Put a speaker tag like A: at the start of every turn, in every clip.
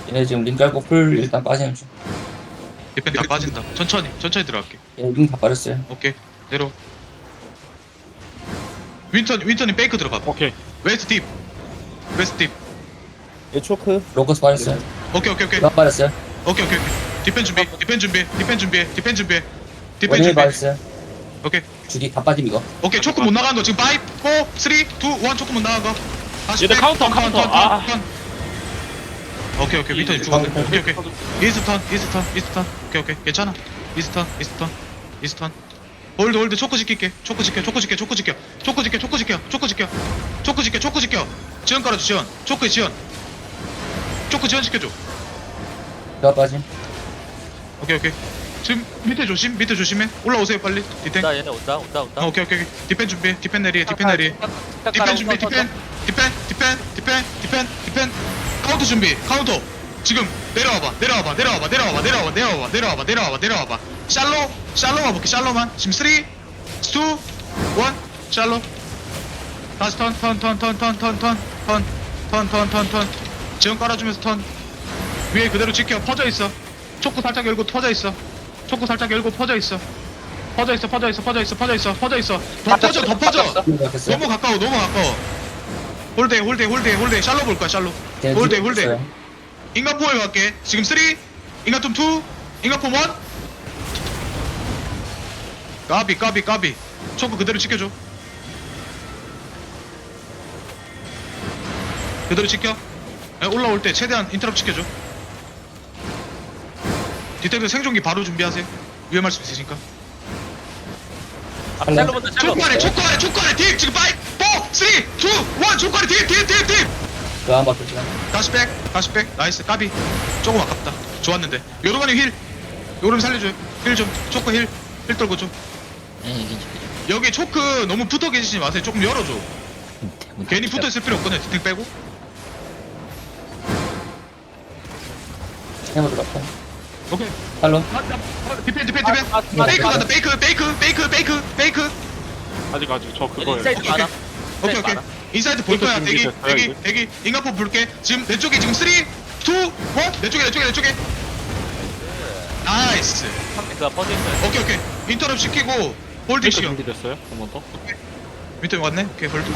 A: 얘네 지금 링 깔고 풀 일단 빠지는 중.
B: 디펜 다 빠진다. 천천히 들어갈게.
A: 얘네 링다 빠졌어요.
B: 오케이. 내려. 윈턴이 페이크 들어가.
C: 오케이.
B: 웨스트 딥.
D: 얘 초크.
A: 로커스 빠졌어요.
B: 오케이.
A: 나 빠졌어요.
B: 오케이. 디펜 준비해.
A: 원힐 빠졌어요.
B: 오케이.
A: 주디 다 빠짐 이거.
B: 오케이. 초크 못 나가는 거 지금 5, 4, 3, 2, 1 초크 못 나간 거. 다시
C: 얘들
B: 백,
C: 카운터. 아.
B: 턴. 오케이. 윈턴이 죽었네. 오케이. 이스턴. 오케이. 괜찮아. 이스턴. 홀드 초크 지킬게. 초크 지켜. 지원 깔아줘. 지원. 초크 지원 시켜줘.
A: 나 빠짐.
B: 오케이. 지금 밑에 조심해. 올라오세요 빨리. 디탱.
E: 온다 얘네 온다.
B: 오케이. 디펜 준비해. 디펜 내리해. 디펜 준비. 디펜. 카운터 준비. 카운터. 지금 내려와봐. 샬로만 볼게. 샬로만. 지금 3, 2, 1. 샬로. 다시 턴. 지원 깔아주면서 턴. 위에 그대로 지켜. 퍼져 있어. 초크 살짝 열고 퍼져 있어. 더 퍼져. 더 퍼져.
A: 생각했어요.
B: 너무 가까워. 홀대. 샬로 볼 거야. 샬로. 홀대. 인간 포에 갈게. 지금 3, 인간 좀 2, 인간 폼 1. 까비. 초크 그대로 지켜줘. 그대로 지켜. 올라올 때 최대한 인터럽 시켜줘. 디텍터 생존기 바로 준비하세요. 위험할 수 있으니까.
E: 셀로 본다. 셀로.
B: 초코 아래 딥 지금 5, 4, 3, 2, 1 초코 아래 딥.
A: 그한 바퀴 지나.
B: 다시 백 나이스. 까비 조금 아깝다. 좋았는데 요르간이 힐 요름 살려줘요. 힐 좀. 초코 힐 떨고 좀. 여기 초크 너무 붙어 계시지 마세요. 조금 열어줘. 괜히 붙어 있을 필요 없거든요. 디텍 빼고.
A: 해보 들어갔다.
B: 오케이.
A: 탈론.
B: 디펜. 페이크 간다. 페이크.
C: 아직 저 그거예요.
E: 인사이드 많아.
B: 오케이. 인사이드 볼 거야.
C: 준비됐어요,
B: 대기. 인간포 볼게. 지금 내 쪽에 지금 3, 2, 1. 내 쪽에. 나이스.
E: 상대가 퍼져 있어요.
B: 오케이. 인터럽 시키고 홀드
C: 페이크
B: 시켜.
C: 준비됐어요. 한 번 더.
B: 밑에 왔네. 오케이. 홀드.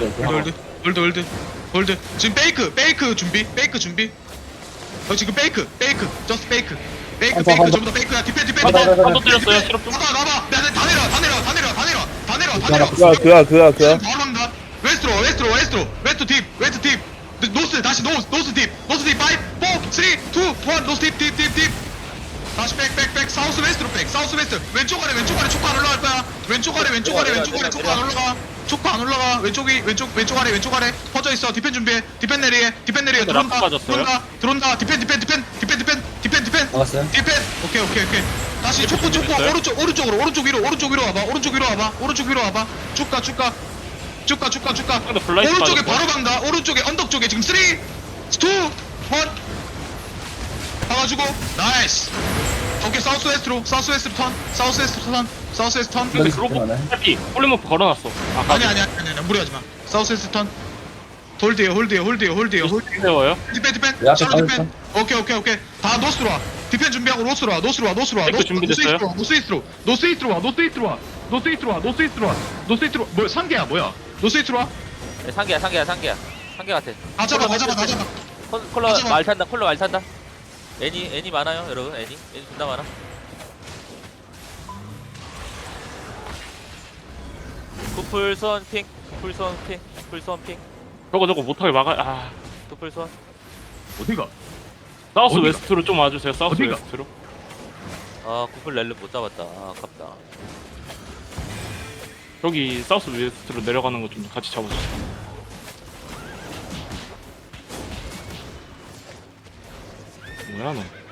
B: 지금 페이크 준비. 지금 페이크. 저스트 페이크. 전부 다 페이크야. 디펜.
C: 한번 때렸어요. 실업 좀.
B: 나봐. 다 내려.
D: 그야.
B: 지금 바로 간다. 웨스트로 딥. 노스 다시 노스 딥. 5, 4, 3, 2, 1 노스 딥. 다시 백 사우스 웨스트로 백. 왼쪽 아래 초코 안 올라갈 거야. 왼쪽 아래 초코 안 올라가. 왼쪽 아래 퍼져 있어. 디펜 준비해. 디펜 내리해. 들어온다. 디펜.
A: 나갔어요.
B: 디펜. 오케이. 다시 초코 오른쪽 위로 와봐. 쭉 가.
C: 근데 블라이트
B: 오른쪽에
C: 빠졌어요.
B: 바로 간다. 오른쪽에 언덕 쪽에 지금 3, 2, 1 봐가지고 나이스. 오케이. 사우스웨스트 턴.
A: 여기
C: 로고
A: 많아요.
C: 해피. 홀리모프 걸어놨어.
B: 아니 무리하지 마. 사우스웨스트 턴. 홀드요.
C: 세워요.
B: 디펜.
A: 왜 앞에
B: 샬로 디펜.
A: 빠졌어?
B: 오케이. 다 노스로 와. 디펜 준비하고 노스로 와.
C: 백도 준비됐어요?
B: 노스이스트로 와. 뭐야? 상계야 뭐야? 노스이스트로 와.
E: 네, 상계야 같아.
B: 다 잡아.
E: 콜러
B: 하지마.
E: 말 탄다. 애니 많아요 여러분. 애니 존나 많아. 구풀선 핑.
C: 저거 못하게 막아.
E: 구풀선.
B: 어디가?
C: 사우스
B: 어디가?
C: 웨스트로 좀 와주세요. 사우스
B: 어디가?
C: 웨스트로.
E: 구풀 렐름 못 잡았다. 아깝다.
C: 저기 사우스 웨스트로 내려가는 거 좀 같이 잡아주세요. 뭐야 너?